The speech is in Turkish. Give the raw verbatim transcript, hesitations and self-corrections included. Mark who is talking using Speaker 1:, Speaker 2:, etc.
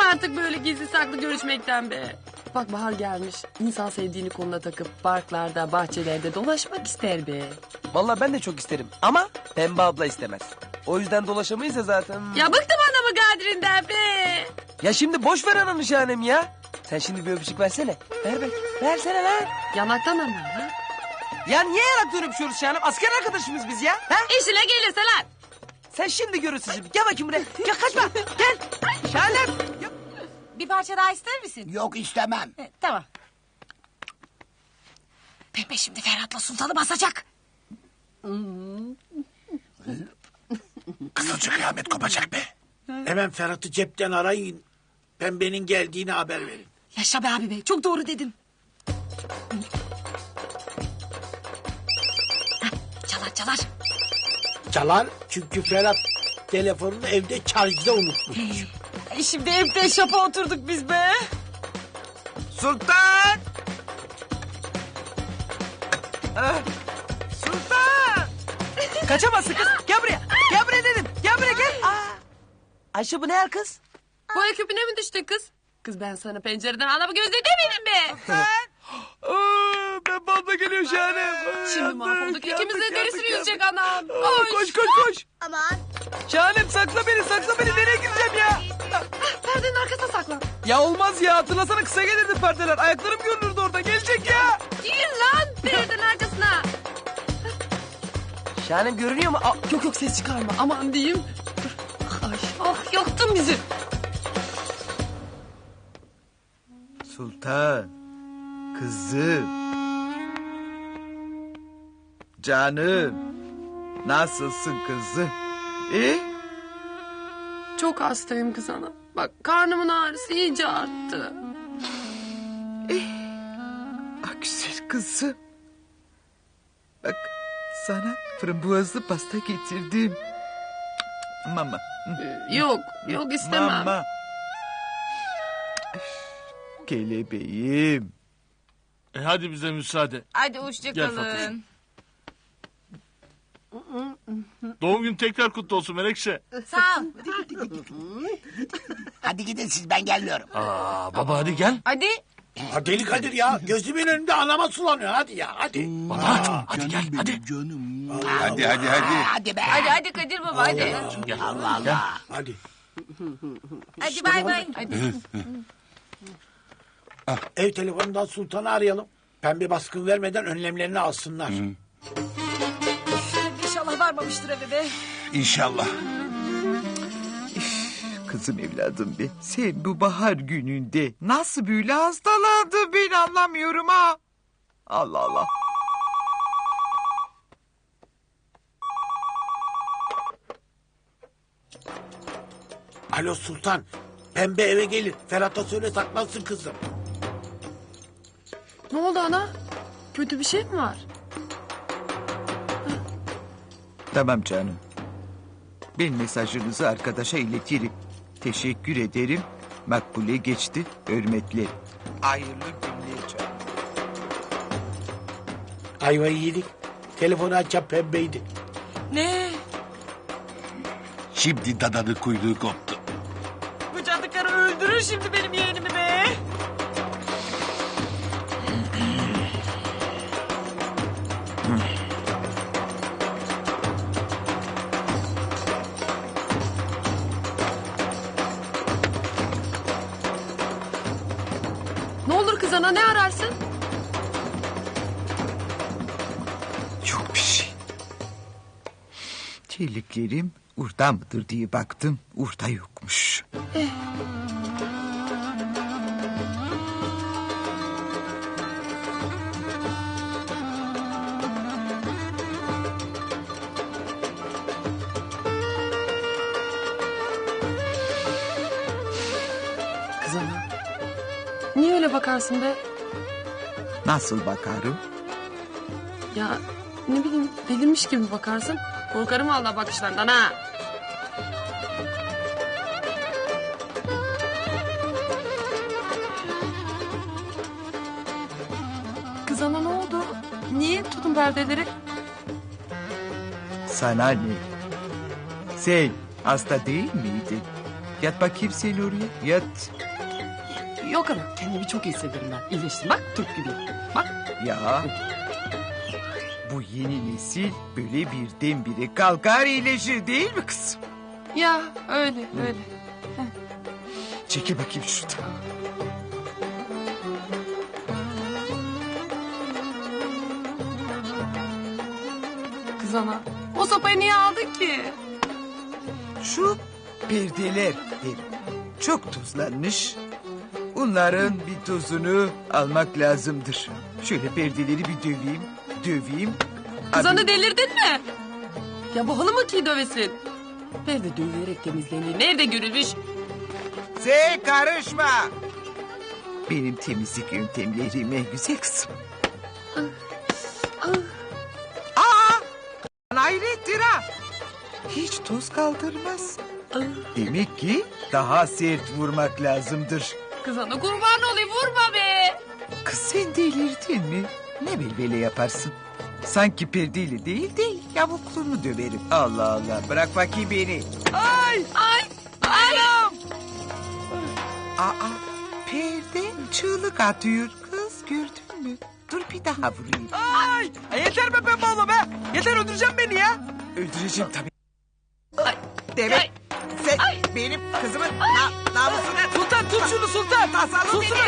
Speaker 1: artık böyle gizli saklı görüşmekten be. Bak bahar gelmiş. İnsan sevdiğini koluna takıp parklarda, bahçelerde dolaşmak ister be.
Speaker 2: Vallahi ben de çok isterim ama Pembe abla istemez. O yüzden dolaşamayız ya zaten.
Speaker 1: Ya bıktım anamı Kadri'nden be.
Speaker 2: Ya şimdi boş ver ananı Şahanem ya. Sen şimdi bir öpücük versene. Ver ver. Versene ver.
Speaker 1: Yanaktan ama ha.
Speaker 2: Ya niye yanaktan öpüşüyoruz Şahanem? Asker arkadaşımız biz ya. Ha?
Speaker 1: İşine gelirse lan.
Speaker 2: Sen şimdi görürsün şimdi. Gel bakayım buraya. Gel kaçma. Gel. Şahanem. Ya-
Speaker 3: Bir parça daha ister misin?
Speaker 4: Yok istemem.
Speaker 3: E, tamam. Pembe şimdi Ferhat'la Sultan'ı basacak.
Speaker 4: Kızılcık kıyamet kopacak be. Hemen Ferhat'ı cepten arayın. Pembenin geldiğini haber verin.
Speaker 3: Yaşa be abi be, çok doğru dedin. Heh, çalar çalar.
Speaker 4: Çalar çünkü Ferhat telefonunu evde şarjda unutmuş.
Speaker 3: E, şimdi evde şapa oturduk biz be.
Speaker 2: Sultan. Ah, Sultan. Kaçamazsın kız. Gel buraya. Gel buraya dedim. Gel buraya gel. Aa. Ayşe bu ne yer kız?
Speaker 1: Boya küpüne mi düştü kız? Kız ben sana pencereden anamı gözlü demedim be.
Speaker 2: Aa, Pembe abla geliyor Şahanem. Aa,
Speaker 1: Şimdi
Speaker 2: yandık,
Speaker 1: mahvolduk.
Speaker 2: yandık,
Speaker 1: İkimizin derisini
Speaker 2: yandık,
Speaker 1: yüzecek
Speaker 2: yandık.
Speaker 1: anam.
Speaker 2: Aa,
Speaker 1: Koş.
Speaker 2: koş koş koş.
Speaker 5: Aman.
Speaker 2: Şahanem sakla beni sakla beni. Nereye gideceğim ya?
Speaker 1: Perdenin arkasına saklan.
Speaker 2: Ya olmaz ya. Hatırlasana kısa gelirdi perdeler. Ayaklarım görünürdü orada. Gelecek ya.
Speaker 1: Gir lan perdenin arkasına.
Speaker 2: Şahanem görünüyor mu? Aa,
Speaker 1: Yok yok ses çıkarma. Aman diyeyim. Dur. Ay, ah yaktın bizi.
Speaker 6: Sultan, kızım, canım, nasılsın kızım? İyi?
Speaker 1: Çok hastayım kız ana. Bak karnımın ağrısı iyice arttı.
Speaker 6: Ah güzel kızım. Bak sana frambuazlı pasta getirdim. Mama.
Speaker 1: Ee, Yok yok istemem.
Speaker 6: Mama. Kelebeğim.
Speaker 7: E hadi bize müsaade.
Speaker 3: Hadi hoşça
Speaker 7: Gel
Speaker 3: kalın.
Speaker 7: Doğum gün tekrar kutlu olsun Melekşe.
Speaker 3: Sağ ol.
Speaker 4: Hadi gidin siz, ben gelmiyorum.
Speaker 7: Aa, baba hadi gel.
Speaker 3: Hadi.
Speaker 4: Ha, deli Kadir ya, gözümün önünde anama sulanıyor. Hadi ya, hadi.
Speaker 7: Baba hadi gel hadi.
Speaker 4: Hadi hadi hadi. Hadi be.
Speaker 3: Hadi hadi Kadir baba hadi.
Speaker 7: Gel.
Speaker 4: Allah Allah. Hadi.
Speaker 3: Hadi bay bay.
Speaker 4: Ev telefonundan Sultan'ı arayalım. Pembe baskın vermeden önlemlerini alsınlar.
Speaker 3: İnşallah varmamıştır eve be.
Speaker 4: İnşallah.
Speaker 6: Kızım evladım be. Sen bu bahar gününde nasıl böyle hastalandın ben anlamıyorum ha. Allah Allah.
Speaker 4: Alo Sultan. Pembe eve gelir. Ferhat'a söyle saklansın kızım.
Speaker 1: Ne oldu ana? Kötü bir şey mi var?
Speaker 6: Tamam canım. Ben mesajınızı arkadaşa iletirim. Teşekkür ederim. Makbule geçti. Hürmetler. Hayırlı günler canım.
Speaker 4: Ayvayı yedik. Telefonu açan Pembeydi.
Speaker 3: Ne?
Speaker 4: Şimdi dadanın kuyruğu koptu.
Speaker 3: Bu cadı karı öldürür şimdi benim yeğenimi be.
Speaker 1: Ne olur kız ana ne ararsın?
Speaker 6: Yok bir şey. Terliklerim urda mıdır diye baktım. Urda yokmuş.
Speaker 1: Kız ana. Niye öyle bakarsın be?
Speaker 6: Nasıl bakarım?
Speaker 1: Ya ne bileyim delirmiş gibi bakarsın. Korkarım vallahi bakışlarından ha. Kız ana ne oldu? Niye tutun perdeleri?
Speaker 6: Sana ne? Sen hasta değil miydin? Yat bakayım sen oraya. Yat.
Speaker 1: Yok ana kendimi çok iyi hissederim ben. İyileştim bak Türk gibi. Bak.
Speaker 6: Ya. Bu yeni nesil böyle birdenbire kalkar iyileşir değil mi kızım?
Speaker 1: Ya öyle öyle.
Speaker 6: Çekil bakayım şuradan.
Speaker 1: Kız ana o sopayı niye aldın ki?
Speaker 6: Şu perdeler hem çok tozlanmış. Onların bir tozunu almak lazımdır. Şöyle perdeleri bir döveyim, döveyim.
Speaker 1: Kız
Speaker 6: Abi,
Speaker 1: ana delirdin mi? Ya bu halı mı ki dövesin? Nerede dövülerek temizlenir? Nerede görülmüş?
Speaker 6: sen karışma. Benim temizlik yöntemlerime güzel kızım. Aa! Hayrettir ha. Hiç toz kaldırmaz. Demek ki daha sert vurmak lazımdır.
Speaker 1: Kız ana kurban olayım vurma be.
Speaker 6: Kız sen delirdin mi? Ne belbele yaparsın? Sanki perdeyle değil değil yavukluğunu döverim. Allah Allah bırak bakayım beni.
Speaker 2: Ay.
Speaker 1: Ay ay.
Speaker 6: Aa perde çığlık atıyor kız gördün mü? Dur bir daha vurayım.
Speaker 2: Ay. Ay yeter be pembe abla be. Yeter öldüreceğim beni ya.
Speaker 6: Öldüreceğim tabii.
Speaker 1: Ay.
Speaker 6: Demek
Speaker 1: Ay.
Speaker 6: sen benim kızımın na namusuna...
Speaker 2: Sultan tut şunu sultan.
Speaker 6: Tasalım
Speaker 2: Sultan.
Speaker 6: beni.